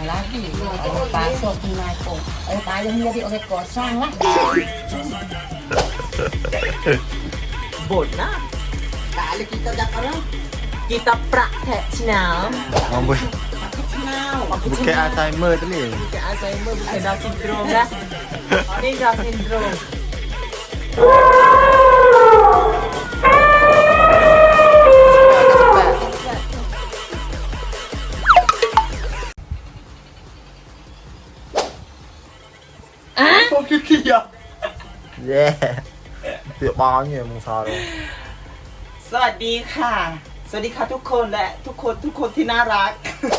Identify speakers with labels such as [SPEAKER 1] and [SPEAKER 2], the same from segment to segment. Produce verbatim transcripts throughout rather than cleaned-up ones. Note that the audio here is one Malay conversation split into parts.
[SPEAKER 1] lagi. Ayah pasok tunai pun. Ayah payah menjadi orang kosong lah.
[SPEAKER 2] Bột na.
[SPEAKER 1] Tak ada kita dah orang.
[SPEAKER 2] Kita praktek senam.
[SPEAKER 3] Ngomong
[SPEAKER 1] Kenal.
[SPEAKER 3] bukan Alzheimer tu ni.
[SPEAKER 2] Bukan Alzheimer, bukan Down syndrome dah. Ini Down syndrome.
[SPEAKER 3] Kau kiki ya. Yeah. Tiap banyak musa tu.
[SPEAKER 2] สวัสดีค่ะ สวัสดีค่ะทุกคนและทุกคนทุกคนที่น่ารัก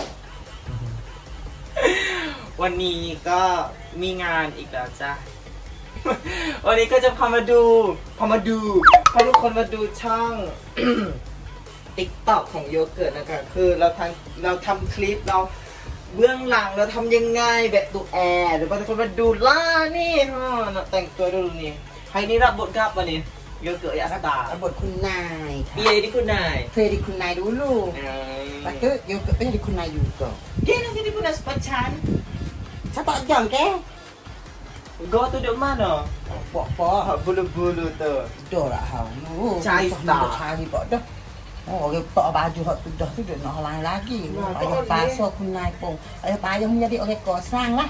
[SPEAKER 2] วันนี้ก็มีงานอีกแล้วจ้ะ วันนี้ก็จะพามาดูพามาดูพาทุกคนมาดูช่อง ติ๊กต็อกของโยเกิร์ตนะคะคือเราทำเราทำคลิปเราเบื้องหลังเราทำยังไงแบบดูแอร์หรือว่าทุกคนมาดูล่านี่ฮะแต่งตัวดูนี่ใครนี่รับบทครับวันนี้โยเกิร์ตยาสตาร์
[SPEAKER 1] บทคุณนาย
[SPEAKER 2] มีอะไรที่คุณนาย
[SPEAKER 1] เคยdiคุณนายdulu. Lepas tu you kena diคุณนายjuga.
[SPEAKER 2] Dia nak jadi punah sepachan.
[SPEAKER 1] Siapa jam ke?
[SPEAKER 2] Go tu duk mana?
[SPEAKER 1] Pok-pok.
[SPEAKER 2] Bulu-bulu tu.
[SPEAKER 1] Dah lah hang. Oh,
[SPEAKER 2] Cari star.
[SPEAKER 1] Cari pok dah. Oh, orang tak baju hak tu dah tu dah nak lain lagi. Ayah pasokคุณนายpun. Ayah payah menjadi orang kosong lah.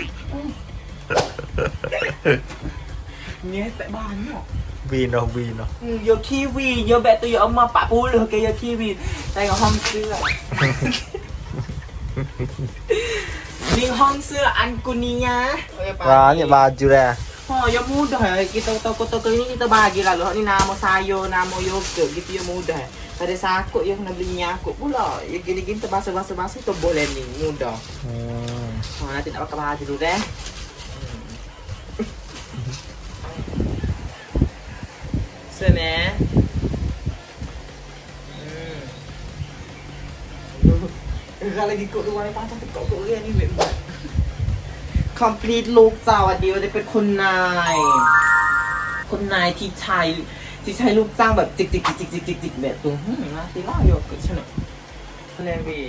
[SPEAKER 2] Ni tak banyak.
[SPEAKER 3] วีนเนาะวีนเนาะ
[SPEAKER 2] Hmm, yo kiwi, yo bet tu yo emak empat puluh ke yo kiwi. Tengok hong sữa. Di hong sữa an kunia.
[SPEAKER 3] ร้านเนี่ยบาจูแล
[SPEAKER 2] Oh, yo mudah. Kita toko-toko ini kita bagi lah. Loh, ni nama sayur, nama yogurt gitu yo mudah. Pada sakut yo kena beli nyakut pula. Yo gini-gini terbasuh-basuh-basuh tu boleh ni, mudah.
[SPEAKER 3] อืม
[SPEAKER 2] Oh, nanti nak pakai baju dulu deh. Sini. Hmm. Kalau lagi kok luar ni pasang tekok kok dia ni baik banget. Complete look สวัสดีว่าจะเป็นคนนายคนนายที่ใช้ที่ใช้ลูกจ้างแบบจิกจิกจิกจิกจิกจิกจิกแบบตัวหืมนะตีล่าโยกใช่ไหมเลวี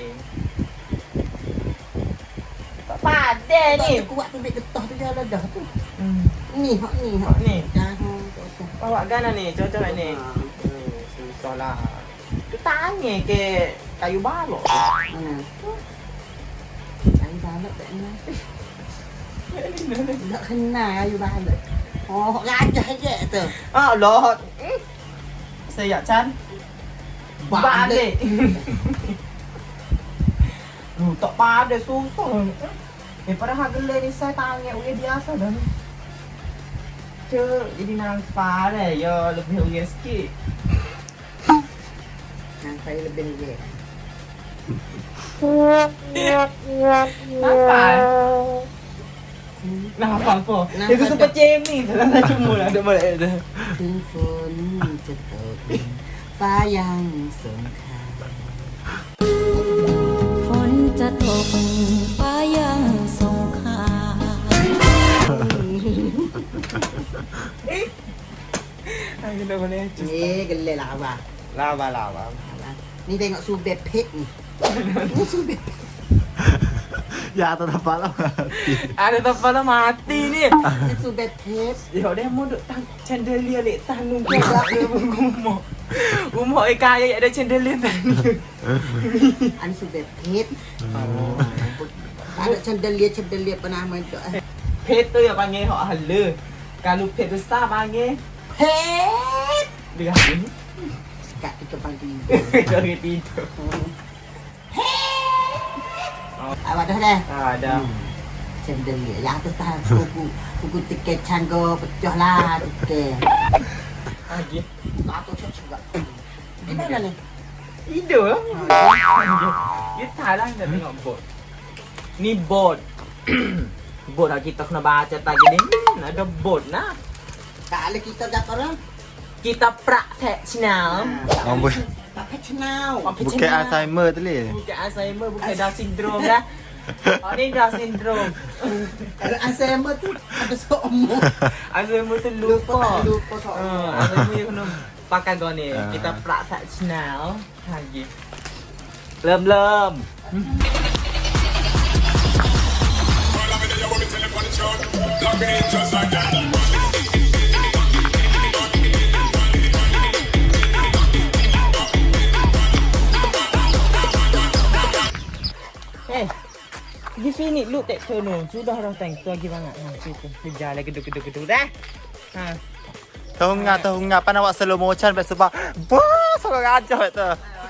[SPEAKER 2] ป้าเด้นี่
[SPEAKER 1] Kuat tu dek getah tu dia dah dah tu.
[SPEAKER 2] อืม
[SPEAKER 1] Ni hak ni hak.
[SPEAKER 2] Ni.
[SPEAKER 1] Dah.
[SPEAKER 2] Bawa gana ni, cocok ni. Ni, susah lah. Tu tanya ke kayu balok.
[SPEAKER 1] Mana? Kayu balok tak ni. Tak kenal kayu balok. Oh, gajah je tu.
[SPEAKER 2] Ah, lot. Saya Chan. Balik. Lu tak pada susah. Eh, padahal gelai ni saya tanya uya biasa dah ni. Cuk, jadi nampak deh, ya lebih uya sikit.
[SPEAKER 1] Nang saya lebih je.
[SPEAKER 2] Nampak? Nampak apa? Dia tu super cem ni, tak nak cuma lah, ada balik dah.
[SPEAKER 1] ถึงฝนจะตกฟ้ายังสงคราม
[SPEAKER 4] ฝนจะตกฟ้ายังสงคราม
[SPEAKER 2] Ay, kita boleh.
[SPEAKER 1] Eh, gelai lawa.
[SPEAKER 2] Lava, lava.
[SPEAKER 1] Ni tengok subet pek ni. Ni subet pek.
[SPEAKER 3] ยาตัวทำปลาแล้ว
[SPEAKER 2] Ada tempat lah mati ni.
[SPEAKER 1] Ni subet pek.
[SPEAKER 2] Ya dia mau duk tang chandelier lek tanung ke gelap dia rumah. Rumah ai kaya ada chandelier tanung.
[SPEAKER 1] Ani subet pek. Oh. Ada chandelier chandelier pernah main tu.
[SPEAKER 2] Pet tu yang panggil hak hala. Kalau pet besar panggil
[SPEAKER 1] Pek.
[SPEAKER 2] dia ni.
[SPEAKER 1] Kat kita pagi.
[SPEAKER 2] Dari tidur.
[SPEAKER 1] Awak dah dah.
[SPEAKER 2] Ada.
[SPEAKER 1] Chandelier. Yang tu tahan kuku. Kuku tiket canggo pecah lah tiket.
[SPEAKER 2] Lagi.
[SPEAKER 1] Atau cak juga. Di mana ni?
[SPEAKER 2] Tidur. Dia Thailand dah tengok bot. Ni bot. Bot lah kita kena baca tadi ni. Hmm, ada bot nah.
[SPEAKER 1] Tak ada kita dah orang.
[SPEAKER 2] Kita praktek senam.
[SPEAKER 3] งอมบุญ
[SPEAKER 1] Tak kenal.
[SPEAKER 3] บุกแกอัลไซเมอร์ตัวนี้
[SPEAKER 2] Bukan Alzheimer, bukan Down syndrome dah. Oh, ni Down syndrome.
[SPEAKER 1] Kalau Alzheimer tu ada seumur.
[SPEAKER 2] Alzheimer tu lupa.
[SPEAKER 1] Lupa soal.
[SPEAKER 2] Uh, Alzheimer dia kena pakai gini. ni. Kita praktek senam lagi. Lem lem. Di sini lu tak sono. Sudah orang tengok gimana? Ha, situ. Berjalan geduk-geduk-geduk dah. Ha.
[SPEAKER 3] Tahu nggak, tahu nggak, pan awak slow motion besok bang. Wah, sangat aja itu.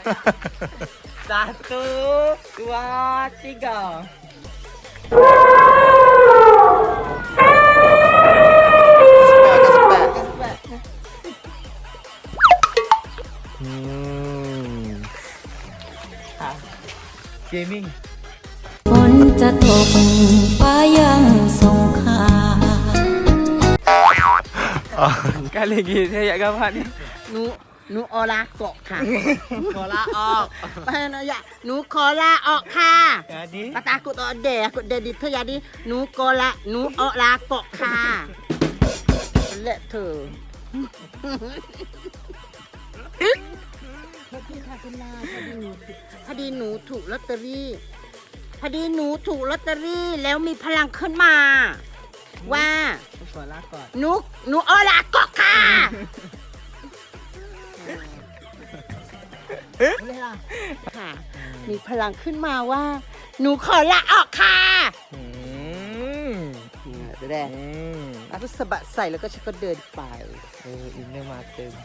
[SPEAKER 2] Satu, dua, tiga.
[SPEAKER 3] Hmm.
[SPEAKER 2] Ha. Gaming.
[SPEAKER 4] ฝนจะตกฟ้ายังส่งข่าว
[SPEAKER 2] Kali lagi saya nak gambar ni.
[SPEAKER 1] หนูหนูออลาเกาะค่ะ
[SPEAKER 2] ขอลาออก
[SPEAKER 1] ไปนะยะหนูขอลาออกค่ะ
[SPEAKER 2] Jadi
[SPEAKER 1] kata aku tak ada aku dah di tu jadi หนูขอลาหนูออกลาเกาะค่ะเละเธอพอดีค่ะคุณลาพอดีหนูพอดีหนูถูกลอตเตอรี่พอดีหนูถูกลอตเตอรี่แล้วมีพลังขึ้นมา ว่า
[SPEAKER 2] ขอลาก่อน
[SPEAKER 1] หนูหนูออกลาเกาะค่ะค่ะ มีพลังขึ้นมาว่า หนูขอลาออกค่ะ
[SPEAKER 2] อืม
[SPEAKER 1] จะได้
[SPEAKER 2] อืม
[SPEAKER 1] เอาไปสะบัดใส่แล้วก็ฉันก็เดินไป
[SPEAKER 2] เอออินเนอร์มาเต็ม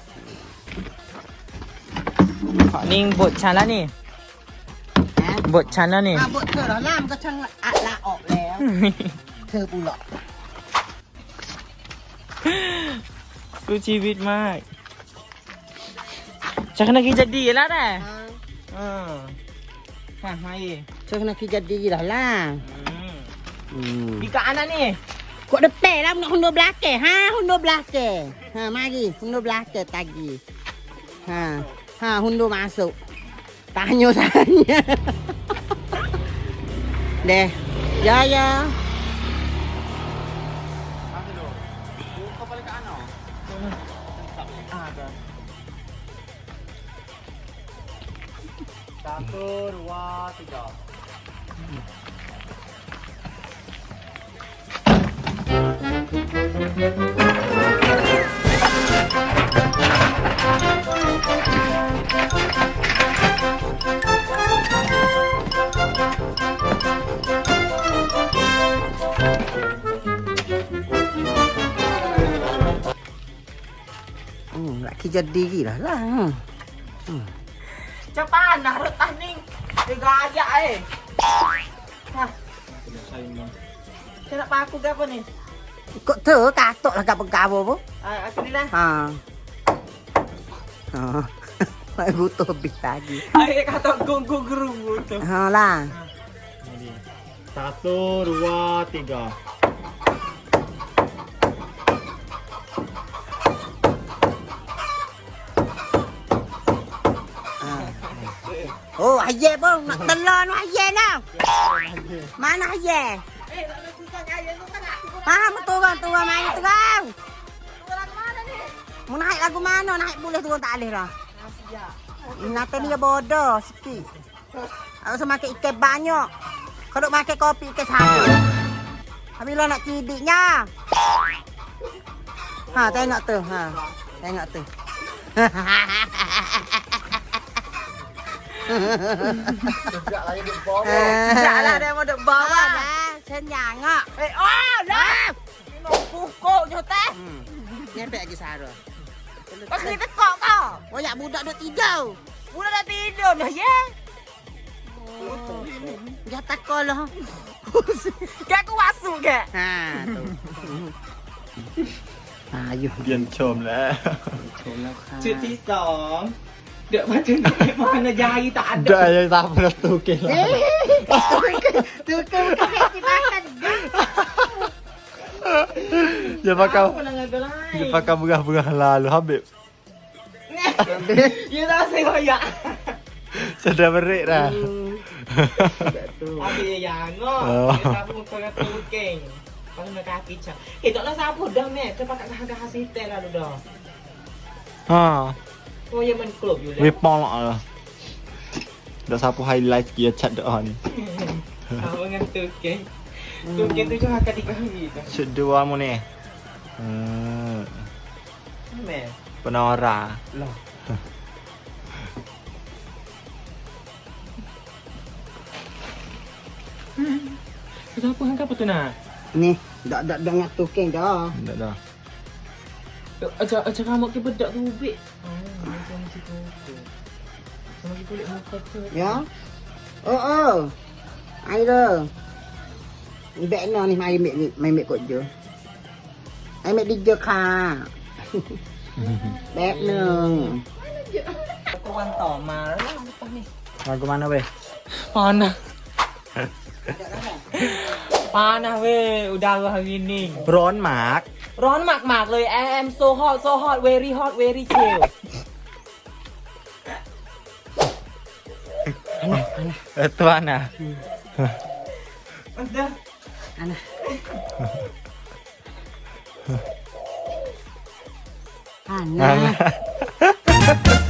[SPEAKER 2] ขอนิ่งบทฉันแล้วนี่
[SPEAKER 1] นะ
[SPEAKER 2] บทฉันแล้วนี่
[SPEAKER 1] อ่ะบทเธอเหรอล่ามก็ช่างอะลาออกแล้ว เธอบุหรอก
[SPEAKER 2] สู้ชีวิตมากจะขนาดกินจะดีแล้วแหละอืมค่ะมาอีก
[SPEAKER 1] เธอคณะคิดจะดีเหรอล่ะ
[SPEAKER 2] อืมdi ke anak ni
[SPEAKER 1] Kok depan lah nak hundur belakang. Ha, hundur belakang. Ha, mari. Hundur belakang tagi. Ha. Ha, hundur masuk. Tanya saya. Deh. Ya, ya.
[SPEAKER 2] Satu, dua, tiga.
[SPEAKER 1] Hmm, nak kerja diri lah lah. Hmm.
[SPEAKER 2] Cepat nak retah ni. Tiga aja eh. Ha. Saya nak paku ke apa ni?
[SPEAKER 1] Kok tu katok lah gapo-gapo pun.
[SPEAKER 2] Ah, aku ni lah.
[SPEAKER 1] Ha. Ha. Mai butuh habis lagi.
[SPEAKER 2] Air kata gong-gong gerung tu.
[SPEAKER 1] Ha lah.
[SPEAKER 3] Satu, dua, tiga.
[SPEAKER 1] Oh, ayah pun nak telur nak ayah lah. Mana ayah?
[SPEAKER 2] Eh, tak ada susahnya air tu kan aku pun.
[SPEAKER 1] Ha, turun turun main turun.
[SPEAKER 2] Turun ke mana ni?
[SPEAKER 1] Mau naik lagu mana? Naik boleh turun tak boleh dah.
[SPEAKER 2] Ya.
[SPEAKER 1] Nanti dia bodoh sikit. Aku semakin ikan banyak. Kalau makan kopi ikan satu. Habis lo nak cidiknya. Ha, tengok tu. Ha. Tengok tu.
[SPEAKER 3] Sejak lagi di bawah.
[SPEAKER 2] Sejak lah dia mau duk bawa.
[SPEAKER 1] Dah, senyang ngak.
[SPEAKER 2] Eh, oh, dah. Ni mau pukul je teh.
[SPEAKER 1] Hmm. Nyampe lagi Sarah.
[SPEAKER 2] Kau kena tekak kau.
[SPEAKER 1] Banyak budak duk tidur.
[SPEAKER 2] Budak dah tidur dah, ya?
[SPEAKER 1] Jangan takut lah.
[SPEAKER 2] Kan aku masuk ke?
[SPEAKER 1] Ha, tu. Ayuh.
[SPEAKER 3] เปลี่ยนชมแล้ว
[SPEAKER 2] ชุดที่สองเดี๋ยวมาถึงนี่มันยายtak ada.
[SPEAKER 3] Dah yang tak pernah tu ke lah.
[SPEAKER 1] Tu ke bukan dimakan.
[SPEAKER 3] Dia pakai
[SPEAKER 2] Apa nak ngambil lain?
[SPEAKER 3] dia pakai berah-berah lalu Habib.
[SPEAKER 2] Ya tak saya koyak.
[SPEAKER 3] Sudah berik dah.
[SPEAKER 2] Habis yang ngok.
[SPEAKER 3] Oh.
[SPEAKER 2] Dia sapu muka kata buking. Kalau nak kaki cak. Eh tak nak sapu dah meh. Kita pakai gah-gah sitel lalu dah.
[SPEAKER 3] Ha,
[SPEAKER 2] Oh ya men klub you
[SPEAKER 3] we
[SPEAKER 2] dah.
[SPEAKER 3] pong lah. Dah sapu highlight dia chat dah ni.
[SPEAKER 2] Apa dengan tuking? Tuking tu jangan kali kali tu.
[SPEAKER 3] Shoot dua mu ni. Hmm,
[SPEAKER 2] Meh.
[SPEAKER 3] penora.
[SPEAKER 2] Lah. Kenapa hang apa tu nak?
[SPEAKER 1] Ni, dak dak dak ngatu keng dah.
[SPEAKER 3] Dah dah.
[SPEAKER 2] Ajar ajar kamu ke bedak tu ubik. Oh, macam macam tu. Sama kita boleh muka tu.
[SPEAKER 1] Ya. Oh oh. Ai dah. Ni bek no ni mai mek mai mek kot je. Ai mek di je ka. แป๊บหนึ่ง
[SPEAKER 2] ก็วันต่อมาแล้วล่ะตอนนี้
[SPEAKER 3] Mau ke mana weh?
[SPEAKER 2] Panas. Panas weh, udara hari ni.
[SPEAKER 3] ร้อนหมาก
[SPEAKER 2] ร้อนมากๆเลย I am so hot so hot very hot very chill.
[SPEAKER 3] Itu mana?
[SPEAKER 2] Ada.
[SPEAKER 1] Ana. Ana.
[SPEAKER 3] Mana?